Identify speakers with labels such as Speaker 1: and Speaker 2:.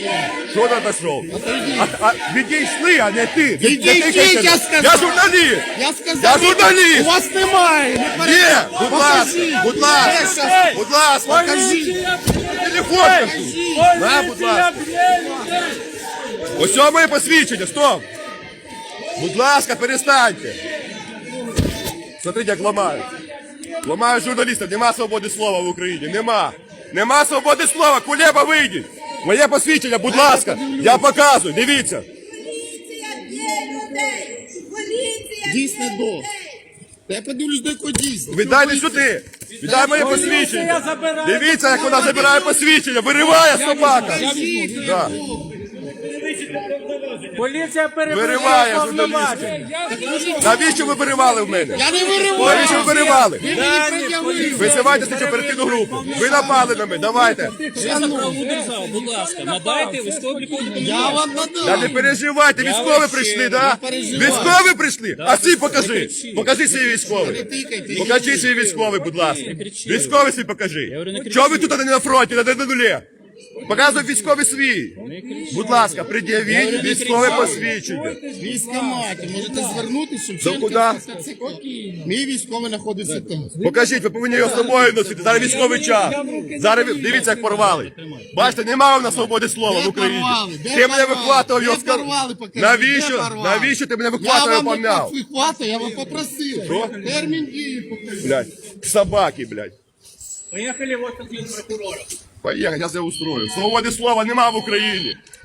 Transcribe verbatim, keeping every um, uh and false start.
Speaker 1: Що ти пішов? А, а, відійшли, а не ти.
Speaker 2: Відійдіть, я сказав.
Speaker 1: Я журналіст.
Speaker 2: Я сказав,
Speaker 1: Я журналіст.
Speaker 2: у вас немає. Не
Speaker 1: Є, будь ласка,
Speaker 2: Покажіть.
Speaker 1: будь ласка, будь ласка,
Speaker 2: Покажіть.
Speaker 1: телефон кажу. На, будь ласка. Ось що моє посвідчення, стоп. Будь ласка, перестаньте. Смотрите, як ламають. Ламають журналістів, нема свободи слова в Україні, нема. Нема свободи слова, Кулеба, вийдіть. Моє посвідчення, будь ласка, я показую, дивіться.
Speaker 3: Поліція б'є людей! Поліція
Speaker 2: Дійсно
Speaker 3: б'є
Speaker 2: до.
Speaker 3: людей!
Speaker 2: Та я подивлюсь, до якого дійсно.
Speaker 1: Віддайте сюди. Віддай моє посвідчення. Дивіться, як вона забирає посвідчення, вириває собака. Да.
Speaker 4: Поліція
Speaker 1: Вириває
Speaker 4: перебуває
Speaker 1: журналістів. Навіщо ви виривали в мене?
Speaker 2: Я не вириваю.
Speaker 1: Навіщо ви виривали?
Speaker 2: Ви мені пред'явили.
Speaker 1: Висивайте слідчу оперативну групу. Ви напали на мене, давайте.
Speaker 5: За правову державу, будь ласка, надайте військово-облікові
Speaker 2: Я
Speaker 5: документи.
Speaker 2: вам
Speaker 1: Та не
Speaker 2: надам.
Speaker 1: переживайте, військові прийшли, да?
Speaker 2: переживаю.
Speaker 1: Військові прийшли? А ці покажи. Покажи свій військовий.
Speaker 2: Тикайте.
Speaker 1: Покажи свій військовий, будь ласка. Військовий свій покажи.
Speaker 5: говорю, не кричіть.
Speaker 1: Чого ви тут а не на фронті, на на нулі? Показуй військовий свій. Будь ласка, пред'явіть військове посвідчення.
Speaker 2: Військоматі. Можете звернутися,
Speaker 1: До
Speaker 2: Шевченка.
Speaker 1: куди?
Speaker 2: Мій військовий знаходиться там.
Speaker 1: Покажіть, ви повинні його з собою носити. Зараз військовий час. Зараз ви- дивіться, як порвали. Бачите, немає в нас свободи слова в Україні.
Speaker 2: порвали? Де
Speaker 1: Ти мене
Speaker 2: порвали?
Speaker 1: вихватував його
Speaker 2: Де
Speaker 1: з кар-
Speaker 2: порвали, покажіть? Де
Speaker 1: Навіщо?
Speaker 2: порвали?
Speaker 1: Навіщо ти мене
Speaker 2: Я
Speaker 1: вихватував і
Speaker 2: вам не
Speaker 1: помняв?
Speaker 2: вихватую, я вам попросив.
Speaker 1: Що?
Speaker 2: Термін дії покажіть.
Speaker 1: Блядь, собаки, блядь.
Speaker 5: Поїхали в офіс прокурора.
Speaker 1: Поїхали, я це устрою. Свободи слова нема в Україні.